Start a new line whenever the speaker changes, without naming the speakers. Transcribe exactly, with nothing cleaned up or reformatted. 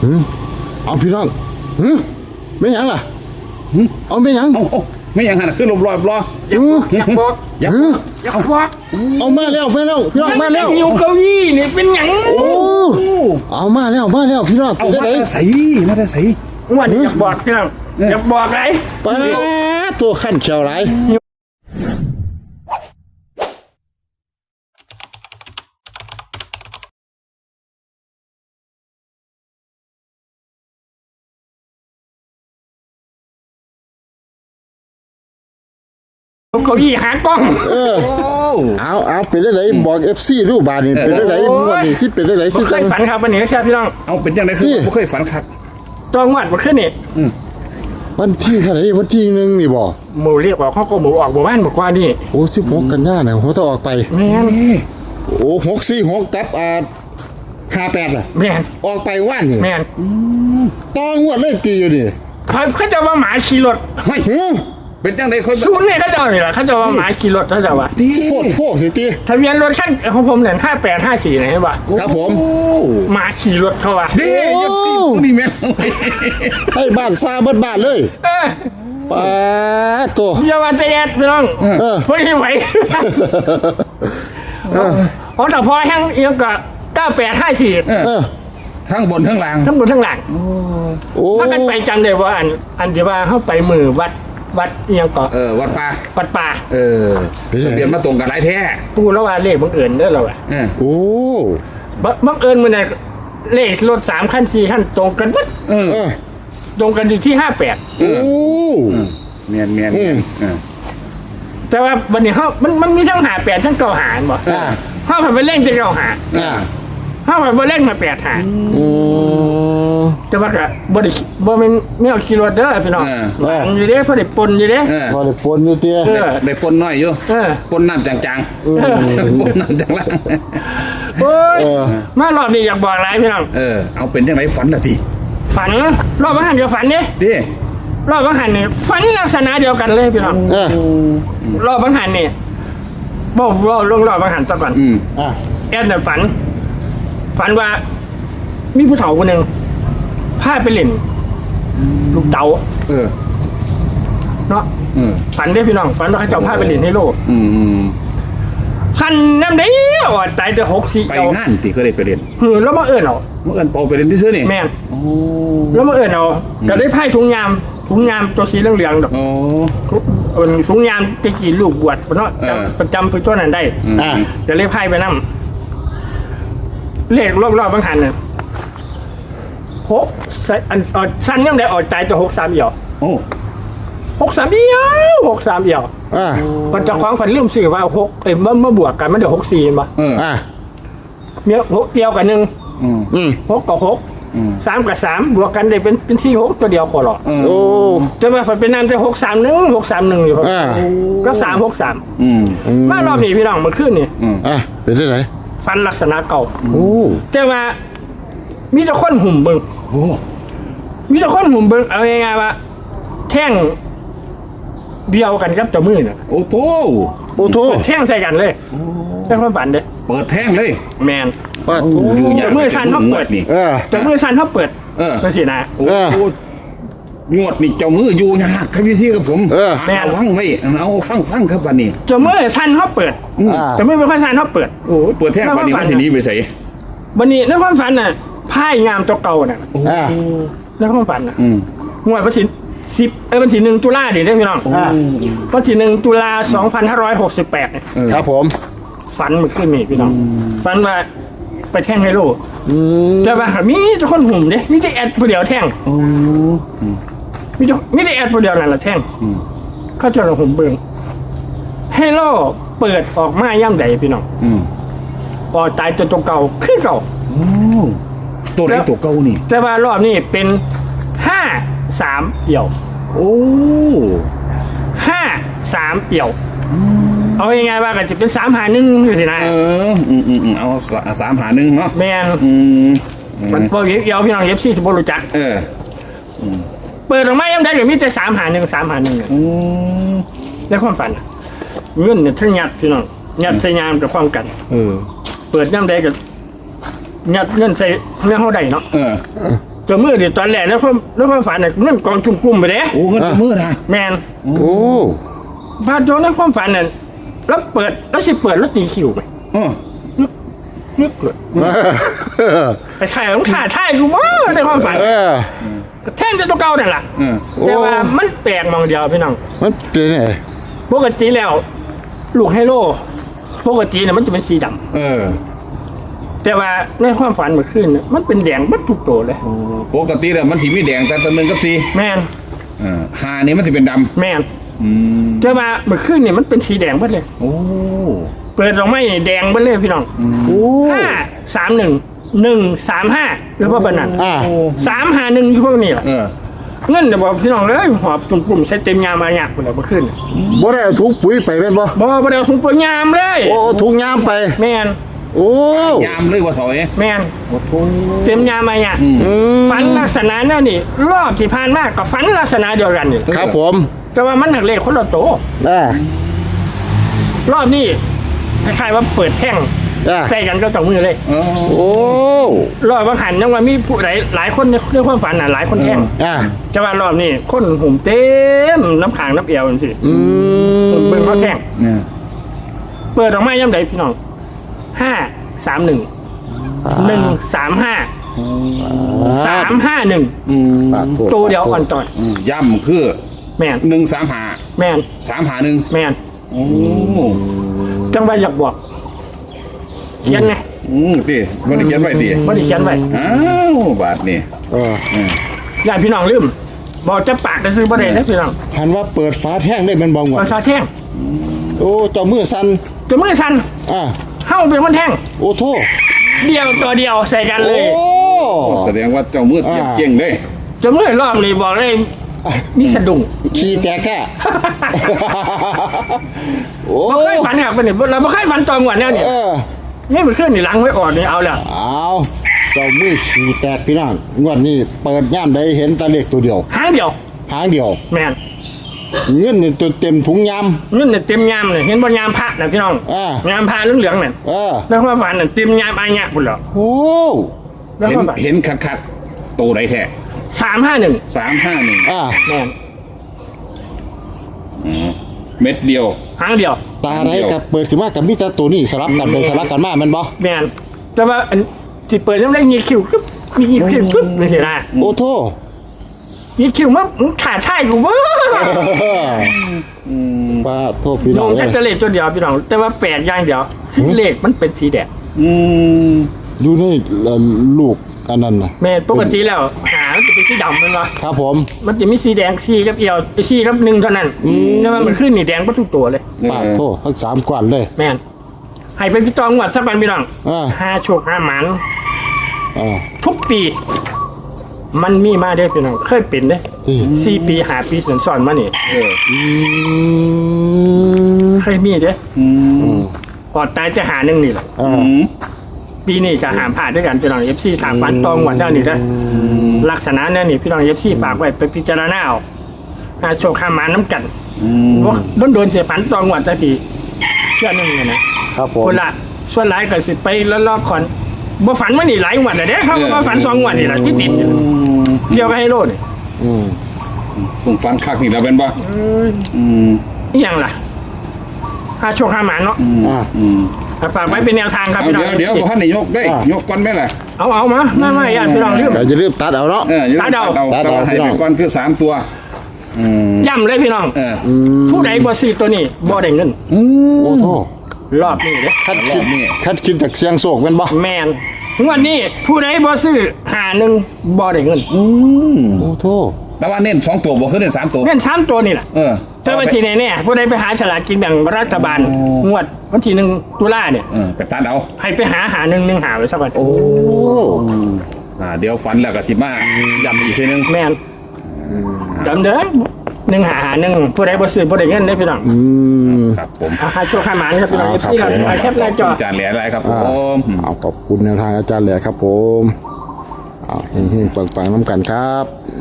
เอาพี่น้องไม่ยังล่ะเอาไม่ยัง
เอาไม่ยังหันขึ้นลมลอยรอ
อยากบอกอยากบอกอยากบอก
เอามาแล้วมาแล้วพี่น้องมาแล้ว
อยู่เก้าอี้นี่เป็นหยัง
โอ้เอามาแล้วมาแล้วพี่น้อง
เอามาได้ใส่มาได้ใส่
วันนี้อยากบอกพี่น้องอยากบอกอะไร
ไปตัวขั้นเชียวไร
เก้าอี้หากล้อง
เออเอาเอาเป็นได้ไหนบอกเอฟซีรูปบานนี่เป็นได้ไหนม้วนนี่ที่เป็นได้ไหนที่
จังฝันครับวันนี้ครับพี่น้อง
เอาเป็นยังไงคือไม่เคยฝันครับ
จองวัดมาขึ้นนี่
วันที่เท่าไหร่วันที่หนึ่งนี่บอก
หมูเรียกว่าเขาก็หมูออกหมู่บ้านบอกว่านี่
โอ้สิบหกกันยาเนี่ยเขาต้องออกไป
แม่น
โอ้หกสี่หกกับอ่าห้าแปดล่ะ
แม่น
ออกไปว่านนี่
แม่น
ต้องงวดเลยตีอยู่นี่
เขาจะว่าหมาขี่รถ
เฮ้ย
เป็นจังไดคน
ชุนเนี่ยเขาจะว่านี่แหละเขาจะว่าหมาขี่รถเขาจะว่า
โคตรโคตรสิตี
ทะเบียนรถขั้นของผมเนี่ยห้าแปดห้าสี่ไหนวะ
ครับผม
หมาขี่รถเขาว่ะ
ดีนี่แม่
ให้บ้านซาบ้านบ้านเลยป้าตัว
เยาวันเตะพี่น้องไม่ไหวเพราะแต่พอแห้งยังก็เก้าแปดห้าสี่
ทั้งบนทั้งล่าง
ทั้งบนทั้งล่างถ้ากันไปจำได้ว่าอันอันที่ว่าเข้าไปมือวัดวัดยังเกาะ
เออวัดป่า
วัดป่า
เออทะเบียนมาตรงกันหลายแท้
ปูแล้วว่าเลขบังเอิญเด้อเราอ่ะ
โอ้
บังเอิญมันเนี่ยเลขรถสามขั้นสี่ขั้นตรงกันวัด
เออ
ตรงกันอยู่ที่ห้าแปด
โอ้
เมียนเมียน
แต่ว่าวันนี้เขามันมันมีทั้งหาแปดทั้งเก้าหาหมดเขาผ่านไปเล่นจะเก้าหาเขาผ่านไปเล่นมาแปดหาแต่ว่าก็บ่ได้บ่เป็นแนวขี่รถเด้อพี่น้องอยู่เด้พอได้ปนอยู่เด้
พอได้ปนอยู่เตี้ย
ได้ปนน้อยอยู่ปนน้ำจางๆปนน้ำจางล่าง
โอ้ยมารอบนี้อยากบอกอะไรพี่น้อง
เออเอาเป็นยังไงฝันละที
ฝันรอบวันหันเดียวฝันเนี่ย
ดิ
รอบวันหันเนี่ยฝันลักษณะเดียวกันเลยพี่น้องรอบวันหันเนี่ยบอกรอบลงรอบวันหันซะก่อนแอดเนี่ยฝันฝันว่ามีผู้เฒ่าคนหนึ่งพาไปเล่นลูกเต๋า
เออ
เนาะฝันได้พี่น้องฝันว่าเขาเจ้าพาไปเล่นให้โลกขันน้ำได้อดตายจะหกสี่
ไปงานตีเขาได้ไปเรียน
เออแล้วมาเอิญเอา
เมื่อเอิญเปาไปเรียนที่ซื้อนี่
แม่แล้วมาเอิญเอาจะได้ไพ่ถุงยามถุงยามตัวสีเหลืองๆดอก
อ๋
อถุงยามจะกี่ลูกบวชเพราะประจำไปตัวนั้นได้จะเรียกไพ่ไปนั่งเลขรอบๆบางหันเนี่ยหกอันสั้นยังได้ออกใจจะหกสามเอี่ยว
โอ้
หกสามเอี่ยวหกสามเอี่ยวอ่ามันจะคล้องคนเริ่มสื่อว่าหกเอ็มเมื่อบวกกันมันเดี๋ยวหกสี่ป่ะ
อ่า
เนี้ยหกเดียวกันหนึ่งหกกับหกสามกับสามบวกกันได้เป็นเป็นสี่หกตัวเดียวพอหรอ
โอ้
จะมาฝันเป็นนามจะหกสามหนึ่งหกสามหนึ่งอยู่ครับก็สามหกสามมารอบนี้พี่น้องมาขึ้นนี่
อ่าเป็นได้ไหน
ฟันลักษณะเก่า
โอ้
แต่ว่ามีแต่คนหุ่มเบิ้ง
โอ้
มีแต่คนหุ่มเบิ้งเอาง่ายๆว่าแท่งเดียวกันครับเจ้ามือเนี่ย
โอ้โห
โอ้โห
แท่งใส่กันเลยแท่งความฝันเลย
เปิดแท่งเลย
แมนเจ้ามือชันเขาเปิด
นี่
เจ้ามือชันเขาเปิดก็สินะ
โอ้งวดนี่เจ้ามืออยู่ยากครับพี่ซี่กับผมแม่ฟังไว้เอาฟังฟังครับวันนี้
เจ้ามือชันเขาเปิดเจ้ามือเป็นคนชันเขาเปิด
โอ้เปิดแท่งวันนี้วันนี้ไปใส่
วันนี้ในความฝันน่ะไพ่งามตัวเก่าน่ะในความฝันน่ะงวดวันที่สิบเออวันที่หนึ่งตุลาดิได้พี่น้องวันที่หนึ่งตุลาสองพันห้าร้อยหกสิบแปด
ครับผม
ฝันมันขึ้นมีพี่น้องฝันว่าไปแท่งไฮโลแต่ว่ามีทุกคนหุ่มเด้มีแต่แอดผู้เดียวแท่งมีแต่มีแต่แอดผู้เดียวนั่นแหละแท่งเขาจะเราหุ่มเบิ้งไฮโลเปิดออกมาย่ำใดพี่น้องออกตายตัวตัวเก่าขึ้นเก่า
ตัวไหนตัวเก่านี่
แต่ว่ารอบนี้เป็นห้าสามเอี่ยว
โอ้
ห้าสามเอี่ยวเอายังไงว่ากันจะเป็นสามหาหนึ่งอยู่สินะ
เอออืมอืมเอาสามหาหนึ่งเนาะ
แมน
อืม
มันพวกเอี่ยวพี่น้องเอฟซีจะบรู้จัก
เออ
เปิดออกมายังได้เดี๋ยวมีแต่สามหาหนึ่งสามหาหนึ่งเนี่ยในความฝันเงินเนี่ยทั้งยัดพี่น้องยัดใส่ยามกับความกัน
เออ
เปิดย่ำได้กับยัดเงินใส่เนื้อเขาได้เนาะ
เออ
จตัวมือดิตอนแรกแล้วความแล้วความฝันน่ะเงินกองจุ่มกลุ่มไปเด้
โอ้เงินกับมือนะ
แมน
โอ้
พาโจนในความฝันน่ะแล้วเปิดแล้วสิเปิดแล้วตีคิวไป
เออ
นึกเลยไปขายของขาท่ายกูว่าในความฝัน
เออ
แท่งจะตัวเก่านั่นแหละ
เออ
แต่ว่ามันแปลกมองเดียวพี่น้อง
มันเป็นไง
ปกติแล้ว ลูกไฮโลปกติเนี่ยมันจะเป็นสีดำ
เออ
แต่ว่าในความฝันเมื่อคืนน่ะมันเป็นแดงบัดทุกตัวเลย
ปกติแล้วมันสีมีแดงแต่ตัวหนึ่งกับสี
แมน
เออหานี่มันจะเป็นด
แมน
ำอืม
แต่ว่าเมื่อคืนเนี่ยมันเป็นสีแดงบัดเลย
โอ้
เปิดออกมานี่แดงบัดเลยพี่น้อง
โอ้
ห้าสามหนึ่งหนึ่งสามห้าหรือว่าเป็นนั้น
อ่า
สามห้าหนึ่งอยู่พวกนี้แหละ
เออ
เงินเดี๋ยวบอกพี่น้องเลยหอบจุ่มกลุ่มใส่เต็มยามมาหยาบคนเดียวเมื่อคืน
บ่ได้เอาถุงปุ๋ยไปแม่นบ่
บอกว่าเดี๋ยวถุงเปลือยยามเลย
โอ้ถุงยามไป
แมน
โอ้
ยามเลยว่าถอย
แมนเต็มยามมาหยาบ
อืม
อืม
ฝันลักษณะนั่นนี่รอบที่ผ่านมากกับฝันลักษณะเดียวกันนี่
ครับผม
แต่ว่ามันหนักเลขคนละโตว
อ่าร
อบนี้คล้ายๆว่าเปิดแท่ง
อ่า
ใส่กันก็ต่อมือเลย
เออ
โอ้
รอบบางหันยังว่ามีผู้หลายหลายคนในเรื่องความฝันน่ะหลายคนแท่ง
อ่า
แต่ว่ารอบนี้คนหุ่มเต็มน้ำขางน้ำเอวจังซี่
อืม
เบิ่งเขาแท่ง
เนี่ย
เปิดออกมาย่ำใดพี่น้องห้าสามหนึ่งหนึ่งสามห้าสามห้าหนึ่ง
อืม
ปากโทษ
ตัวเดียวอ่อนต่อย
อืมย่ำคือ
แมน
หนึ่งสามหา
แมน
สามหาหนึ่ง
แมน
โอ้
จังหวะอยากบอกเขียนไง
อืมตีมันได้เขียนไว้ตี
ไม่ได้เขียนไว้
อ้าวบาทนี่
เออ
เออ
ญาติพี่น้องลืมบอกจะปากจะซื้อบ่ได้นะพี่น้อง
พันว่าเปิดฝาแท่งได้แมันบ่งว
ป
ด
ระชาแท่ง
โอ้เจ้ามือสั่น
จะมือสั่น
อ่า
เข้าเป็นคนแท่ง
โอ้โท
เดียวตัวเดียวใส่กันเล
โอ้
ย
แสดงว่าเจ้ามืดเจ็บเก่งเลย
จะมือรอบนี้บอกเลยมีสะดุ้ง
ขี้แตกแค่ โอ้
บ่เคยฝันครับนี่เราบ่เคยฝันตอนก่อนแล้วนี่
เออ
นี่มันขึ้นนี่หลังไว้อ่อนนี่เอาแล้ว
เอาเจ้ามือขี้แตกพี่น้องงวดนี้เปิดย่ามใดเห็นแตะเลขตัวเดียว
หางเดียว
หางเดียว
แม่น
เงินนี่ตัวเต็มถุงยาม
เงินเนี่ยเต็มยามเลยเห็นบ่ยามพระนะพี่น้อง
อ่าย
ามพระเหลืองๆนั่น
เออ
แล้วความฝันน่ะเต็มยามอายะพุ่นแล้ว
โอ้
แล้ว
เห็
คน วามฝัน
เห็นคัดคัดๆตัวไหนแท้
สามห้าหนึ่ง
สามห้าหนึ่ง
อ่า
แม่น
เม็ดเดียว
หางเดียว
ตาไรกับเปิดขึ้นมากับมิตรตัวนี้สลับกันไปสลับกันมาแมันบ่
แม่นแต่ว่าอันที่เปิดยังได้ยีคิวกึ๊บมียีคิวกึ๊บเลยสินะ
โอ้โท
ยีคิวมาขาดท่ายกูเว้ย
ป้าโทษพี่
ล
น้อง
ง
เล
ชั
ย
ดจะเลขตัวเดียวพี่น้องแต่ว่าแปดอย่างเดียวเลขมันเป็นสีแดง
อืม
อยู่ในเอ่อลูกอันนั้นนะ
แม่นปกติแล้วหามันจะเป็นสีดำแมันวะ
ครับผม
มันจะมีสีแดงสีกับเอียวสีกับหนึ่งเท่านั้นแต่ว่ามันขึ้นนี่แดงก็ทุกตัวเลย
ป้าโทษทั้งสามกวนเลย
แม่นให้เป็นพี่ตองหวัดสักวันพี่น้อง
อ่า
ห้าโชคห้าหมัน
อ่า
ทุกปี มันมีมาได้อพี่น้องเคยเป็นเด้
ที่
สี่ปีหาปีสอนสอนๆมานี่
เออ
อืม
เคยมีเด้อ
อืม
อืม
ก่อนตายจะหาหนึ่งนี่แหละ
อ่า
อืม
ปีนี้จะหามผ่านด้วยกันพี่น้องเอฟซีถามฟันตองหวัดเท่านี้ได้อลักษณะนั่นนี่พี่น้องเอฟซีฝากไว้ไปพิจารณาเอาหาโชคห้าหมันน้ำกัน
อืม
ว่าโดนโดนเสียฝันตองหวัดจะทีเชื่อหนึ่งเลยนะครับ
ผม
คนละส่วนหลายก็สิไปแล้วรอบก่อนบ่ฝันมานี่หลายงวันแล้วเด้เขาก็มาฝันสองงวันนี่แหละที่ติดอยู่
อืม
เดียวก็ให้โลดนี่
อืม
ผมฟังคักนี่แล้วเป็นปะอืม
อหยังล่ะหาโชคห้าหมันเนาะ
อืม
อ่า
อืม
ฝากไว้เป็นแนวทางครับ
เอา
พี่น้อง
เดี๋ยวเดี๋ยวพ่อท่านนายกได้
อ่ะ
ยกก่อนไหมล่ะ
เอาเอามาไม่ไม่ญาติพี่น้องเรื่อง
เดี๋ยวจะรีบตัดเอาเนาะ
เอออย่าลืม
ตัดเอา
ตัดเอา
ตัดเอา
แต่ว่าให้
พี่น้
ไป
อง
ก่อนคือสามตัว อืม
ย่ำเลยพี่น้อง
เออ
อืม
ผู้ใดบ่ซื้อตัวนี้บ่ได้เงิน
อืม
โอ้โทษ
รอบนี้เด้
คัด
ร
คิ
อ
ด
บนี้
คัดคิดจากเสียงโศกเป็นบ่
แมนงวดนี้ผู้ใดบ่ซื้อหาหนึ่งบ่ได้เงิน
อืม
โอ้โทษ
แต่ว่าเน้นสองตัวบ่คือเน้นสามตัว
เงินสามตัวนี่แหละ
เออ
แต่วันที่ไหนเนี่ยผู้ใดไปหาฉลากกินแบ่งรัฐบาล
โอ้
งวดวันที่หนึ่งตุลาเนี่ย
เออไปตัดเอา
ให้ไปหาหาหนึ่งหนึ่งหาไว้สักวัน
โอ้
อ่าเดี๋ยวฝันแล้วก็สิมาย้ำอีกทีนึง
แมนดำเด้อหนึ่งหาหาหนึ่งผู้ใดบ่ซื้อบ่ได้เงินได้อพี่น้อง
อืม
ครับผม
อาหาโชคขาหมานครับพี่น้อง
อ่า
เอฟซี
ค
ค
รั
รั
บบ ผม
แคปหน้าจอ
จานเหลืออะไรครับผ
อ่าม เอาขอบคุณแนวทางอาจารย์แหละครับผมเอาเฮงๆปังๆน้ำกันครับ